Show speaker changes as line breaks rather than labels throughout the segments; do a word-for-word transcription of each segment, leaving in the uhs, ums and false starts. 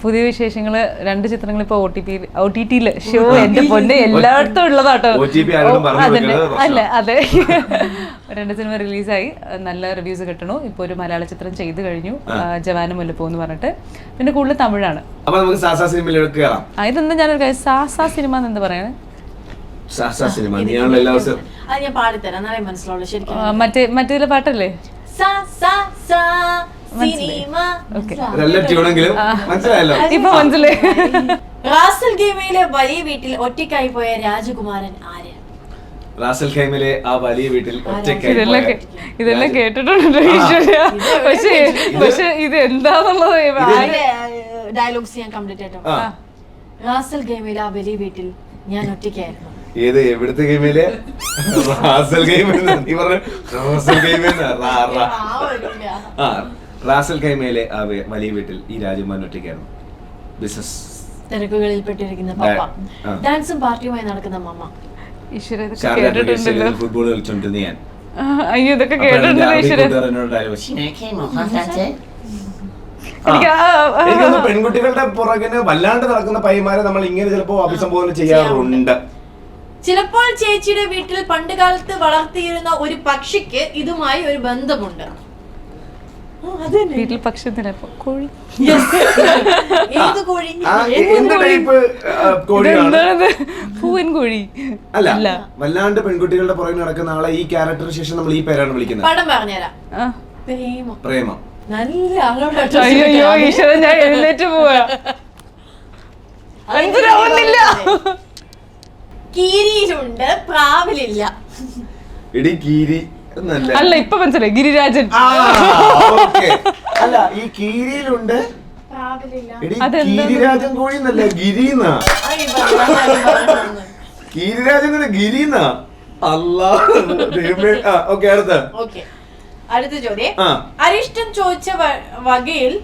പുതിയ വിശേഷങ്ങള് രണ്ട് ചിത്രങ്ങൾ ഇപ്പൊ O T P O T ടിയില് ഷോ എന്റെ പൊന്നെ എല്ലായിടത്തും ഉള്ളതാട്ടോ. അതന്നെ അല്ല അതെ രണ്ട് സിനിമ റിലീസായി, നല്ല റിവ്യൂസ് കിട്ടണു. ഇപ്പൊ ഒരു മലയാള ചിത്രം ചെയ്തു കഴിഞ്ഞു, ജവാനും മുല്ലപ്പൂ എന്ന് പറഞ്ഞിട്ട്. പിന്നെ കൂടുതൽ തമിഴാണ്. ഇതെന്താ ഞാനൊരു കാര്യം, സാസാ സിനിമ എന്ന് പറയാണ്. മറ്റേ മറ്റേ പാട്ടല്ലേ ഇപ്പൊ മനസ്സിലായി.
റാസൽ ഖൈമയിലെ വലിയ വീട്ടിൽ ഒറ്റയ്ക്കായി പോയ രാജകുമാരൻ ആര്?
റാസൽ ഖൈമയിലെ ആ വലിയ വീട്ടിൽ ഒറ്റയ്ക്കായി
ഇതെല്ലാം കേട്ടിട്ടുണ്ട് ഈശ്വര. പക്ഷേ പക്ഷെ ഇത് എന്താന്നുള്ളത്
ഡയലോഗ്സ് ഞാൻ കംപ്ലീറ്റ് ആയിട്ടോ. റാസൽ ഖൈമയിലെ ആ വലിയ വീട്ടിൽ ഞാൻ ഒറ്റയ്ക്കായിരുന്നു.
ഏത് എവിടുത്തെ ഗെയിമില്? റാസൽ ഖൈമ റാസൽ ഖൈമയിലെ ആ വലിയ വീട്ടിൽ ഈ രാജകുമാരൻ ഒറ്റയ്ക്കായിരുന്നു. ബിസിനസ്
തിരക്കുകളിൽ പെട്ടിരിക്കുന്ന പപ്പ, ഡാൻസും പാർട്ടിയുമായി നടക്കുന്ന മമ്മ.
ഫുട്ബോൾ കളിച്ചോണ്ടിരുന്ന ഞാൻ.
അയ്യോ ഇതൊക്കെ കേട്ടിട്ടുണ്ടല്ലോ ഈശ്വര.
പെൺകുട്ടികളുടെ പുറകിന് വല്ലാണ്ട് നടക്കുന്ന പയ്യന്മാരെ നമ്മൾ ഇങ്ങനെ ചിലപ്പോ അഭിസംബോധന ചെയ്യാറുണ്ട്.
ചിലപ്പോൾ ചേച്ചിയുടെ വീട്ടിൽ പണ്ട് കാലത്ത് വളർത്തിയിരുന്ന ഒരു പക്ഷിക്ക് ഇതുമായി ഒരു ബന്ധമുണ്ട്.
വീട്ടിൽ പക്ഷി കോഴി. പൂവൻ കോഴി
അല്ല, വല്ലാണ്ട് പെൺകുട്ടികളുടെ പുറകിൽ നടക്കുന്ന ആളെ ഈ ക്യാരക്ടറിന് ശേഷം നമ്മൾ ഈ പേരാണ് വിളിക്കുന്നത്.
പടം പറഞ്ഞുതരാം.
പ്രേമം.
നല്ല
അയ്യോ ഈശ്വരൻ, ഞാൻ എഴുന്നേറ്റ് പോവാ. മനസ്സിലാവുന്നില്ല.
കീരിയിലുണ്ട്, പ്രാവിലില്ല.
എടി കീരി
അല്ല, ഇപ്പൊ മനസ്സിലായി, ഗിരിരാജൻ.
അല്ല, ഈ കീരിയിലുണ്ട്, ഗിരിരാജൻ കോഴി എന്നല്ല, ഗിരിന്നാ. ഗിരിരാജൻ കോഴി ഗിരിന്നാ. അല്ലാ. ഓക്കെ, അടുത്ത
അടുത്ത ചോദ്യം. അരിഷ്ടം ചോദിച്ച വകയിൽ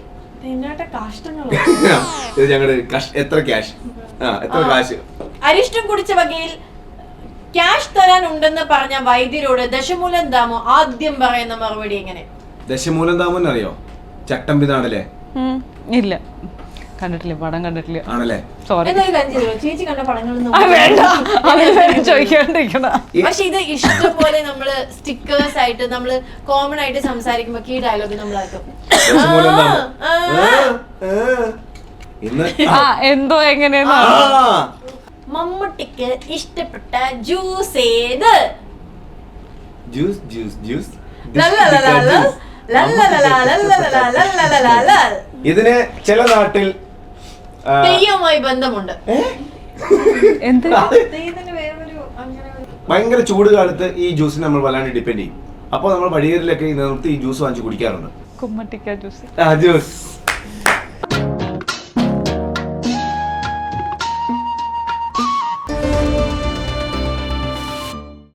എത്ര ക്യാഷ്? എത്ര കാശ്?
അരിഷ്ടം കുടിച്ച വകയിൽ ക്യാഷ് തരാൻ ഉണ്ടെന്ന് പറഞ്ഞ വൈദ്യരോട് ദശമൂലം ദാമോ ആദ്യം പറയുന്ന മറുപടി എങ്ങനെ?
ദശമൂലം ദാമോ അറിയോ? ചട്ടമ്പിതാണല്ലേ?
ഇല്ല, കണ്ടിട്ടില്ല, പടം കണ്ടിട്ടില്ല.
ആണല്ലേ?
ചേച്ചി കണ്ട പടങ്ങളൊന്നും
ചോദിക്കാണ്ടിരിക്കണ.
പക്ഷെ ഇത് ഇഷ്ടംപോലെ നമ്മള് സ്റ്റിക്കേഴ്സ് ആയിട്ട് നമ്മള് കോമൺ ആയിട്ട് സംസാരിക്കുമ്പോ ഈ ഡയലോഗ് നമ്മളാക്കും.
എന്തോ എങ്ങനെയാ?
മമ്മൂട്ടിക്ക് ഇഷ്ടപ്പെട്ട ജ്യൂസ് ഏത്?
ജ്യൂസ് ജ്യൂസ് ജ്യൂസ് ഇതിന് ചില നാട്ടിൽ
തെയ്യവുമായി ബന്ധമുണ്ട്.
ഭയങ്കര ചൂട് കാലത്ത് ഈ ജ്യൂസിന് നമ്മൾ വല്ലാണ്ട് ഡിപ്പെൻഡ് ചെയ്യും. അപ്പൊ നമ്മൾ വഴിയേറിലൊക്കെ നിർത്തി ഈ ജ്യൂസ് വാങ്ങിച്ച് കുടിക്കാറുണ്ട്.
കുമ്മട്ടിക്ക ജ്യൂസ്.
ആ ജ്യൂസ്